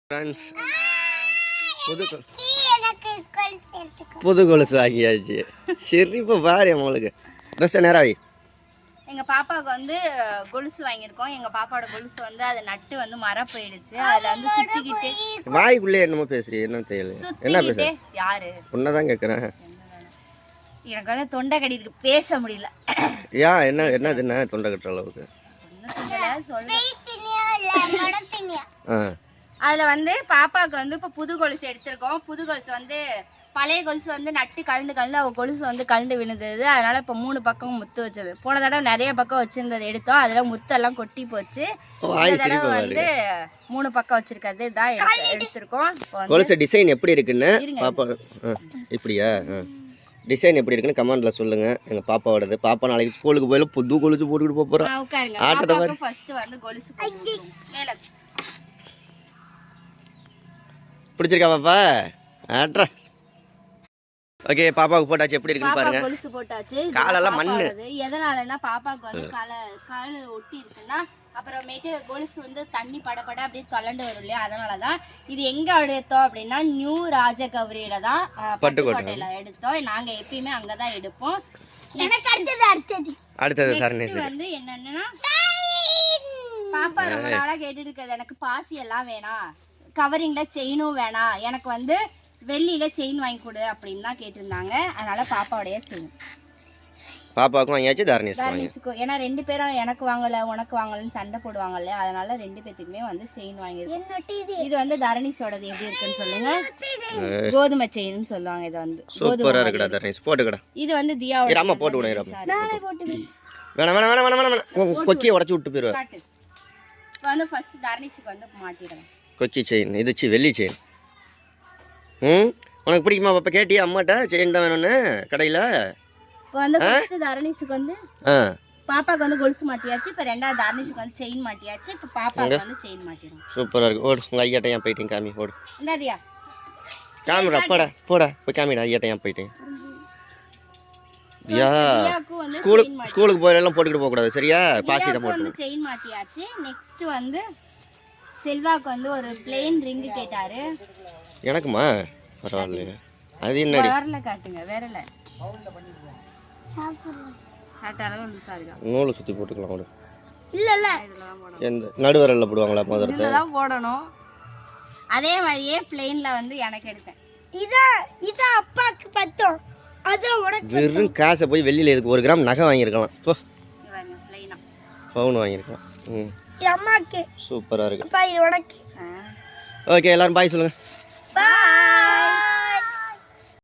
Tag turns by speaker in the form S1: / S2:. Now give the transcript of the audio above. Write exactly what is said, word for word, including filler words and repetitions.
S1: Friends புது புது கொலுசு வாங்கியாச்சு. சரி இப்போ பாரு நம்மளுக்கு ட்ரெஸ் நேராவி
S2: எங்கள் பாப்பாவுக்கு வந்து கொலுசு வாங்கியிருக்கோம். எங்கள் பாப்பாவோட கொலுசு வந்து அதை நட்டு வந்து மர போயிடுச்சு. அதில் வந்து சுற்றிக்கிட்டு
S1: வாய்க்குள்ளே என்னமோ பேசுறீ என்ன தெரியல என்ன பேச
S2: யாரு
S1: உன்னதான் கேட்குறேன்.
S2: எனக்கு வந்து தொண்டை கடிக்கு பேச முடியல.
S1: ஏன் என்ன என்னது என்ன தொண்டை கட்டுற அளவுக்கு
S2: அதில் வந்து பாப்பாவுக்கு வந்து இப்போ புது கொலுசு எடுத்திருக்கோம். புது கொலுசு வந்து பழைய கொலுசு வந்து நட்டு கலந்து கலந்து அவள் கொலுசு வந்து கலந்து விழுந்தது. அதனால இப்போ மூணு பக்கம் முத்து வச்சது. போன தடவை நிறைய பக்கம் வச்சிருந்தது எடுத்தோம். அதில் முத்தெல்லாம் கொட்டி போச்சு. இந்த தடவை வந்து மூணு பக்கம் வச்சிருக்கிறது தான் எடுத்திருக்கோம்.
S1: கொலுசு டிசைன் எப்படி இருக்குன்னு பாப்பா இப்படியா டிசைன் எப்படி இருக்குன்னு கமெண்ட்ல சொல்லுங்க. எங்க பாப்பாவோடது. பாப்பா நாளைக்கு ஸ்கூலுக்கு போயில புது கொலுசு போட்டுக்கிட்டு போக போறோம்.
S2: உட்காருங்க. பாப்பாவுக்கு ஃபர்ஸ்ட் வந்து கொலுசு மேல
S1: பிடிச்சிருக்கா பாப்பா ஆட்ரா. ஓகே பாப்பாவுக்கு போட்டாச்சு. எப்படி இருக்குன்னு பாருங்க.
S2: கொலுசு போட்டாச்சு.
S1: காலெல்லாம் மண்ணு.
S2: எதனாலன்னா பாப்பாவுக்கு வந்து கால கால ஒட்டி இருக்குன்னா அப்புறமேட்டு கொலுசு வந்து தண்ணி படப்பட அப்படியே கலண்டு வரும் இல்லையா. அதனாலதான் இது எங்க எடுத்தோம் அப்படின்னா நியூ ராஜகௌரியில தான் பட்டுக்கோட்டையில எடுத்தோம். நாங்க எப்பயுமே அங்கதான் எடுப்போம். அடுத்தது வந்து என்னன்னா பாப்பா ரொம்ப நாளா கேட்டு இருக்கிறது எனக்கு பாசி எல்லாம் வேணாம், கவரிங்ல செயினும் வேணாம், எனக்கு வந்து வெள்ளியில செயின் வாங்கி கொடு அப்படின்னு தான் கேட்டிருந்தாங்க. அதனால பாப்பாவுடைய செயின்
S1: பாப்பாவுக்கும் வாங்கியாச்சு தர்னிஸ்
S2: தர்னிஸுக்கும். ஏன்னா ரெண்டு பேரும் எனக்கு வாங்கல உனக்கு வாங்கலன்னு சண்டை போடுவாங்கல்ல. அதனால ரெண்டு பேத்துக்குமே வந்து செயின் வாங்கியிருக்கோம். இது வந்து தர்னிஸோடது எப்படி இருக்குன்னு சொல்லுங்க. கோதுமை செயின்னு சொல்லுவாங்க. இது வந்து
S1: சூப்பரா இருக்குடா தர்னிஸ் போட்டுக்கடா.
S2: இது வந்து தியாவோட
S1: அம்மா போட்டு விடுறேன். வேணா வேணா வேணா வேணா வேணா கொக்கியை உடைச்சு விட்டு போயிடுவா.
S2: இப்போ வந்து ஃபர்ஸ்ட் தர்னிஸுக்கு வந்து மாட்டிடுறேன்.
S1: கொக்கி செயின் இது சி வெள்ளி செயின். ம் உனக்கு பிடிக்குமா பாப்பா? கேட்டியா அம்மாட்ட செயின் தான் வேணும்னு கடையில்?
S2: இப்போ வந்து ஃபர்ஸ்ட் தர்னிஸுக்கு வந்து பாப்பாக்கு வந்து கொலுசு மாட்டியாச்சு. இப்போ ரெண்டாவது தர்னிஸுக்கு வந்து செயின் மாட்டியாச்சு. இப்போ பாப்பாக்கு வந்து செயின் மாட்டிடும்.
S1: சூப்பராக இருக்கு. ஓடு உங்கள் ஐயாட்ட ஏன் போயிட்டேன் காமி ஓடு.
S2: இந்தாதியா
S1: காமிடா போடா போடா போய் காமிடா ஐயாட்ட ஏன் போயிட்டேன். யா ஸ்கூலுக்கு ஸ்கூலுக்கு போயெல்லாம் போட்டுக்கிட்டு போகக்கூடாது சரியா? பாசி தான் போட்டு
S2: செயின் மாட்டியாச்சு. நெக்ஸ்ட் வந்து செல்வாக்கு வந்து ஒரு பிளேன் ரிங் கேட்டாரு.
S1: எனக்குமா பரவாயில்ல. அது என்ன
S2: வரல காட்டுங்க வேறல
S1: நூலை சுற்றி போட்டுக்கலாம். ஒரு
S2: இல்ல இல்ல
S1: எந்த நடுவரல்ல போடுவாங்களா முதல்ல
S2: இதெல்லாம் போடணும். அதே மாதிரியே பிளேன்ல வந்து எனக்கு எடுத்தேன். இதா இதா அப்பாக்கு பத்தோம். அது உனக்கு
S1: வெறும் காசை போய் வெளியில எதுக்கு ஒரு கிராம் நகை வாங்கியிருக்கலாம். போ
S2: இவங்க பிளேனா
S1: பவுன் வாங்கியிருக்கலாம். ம்
S2: அம்மாக்கு
S1: சூப்பரா இருக்கு.
S2: அப்பா இது உனக்கு.
S1: ஓகே எல்லாரும் பாய் சொல்லுங்க.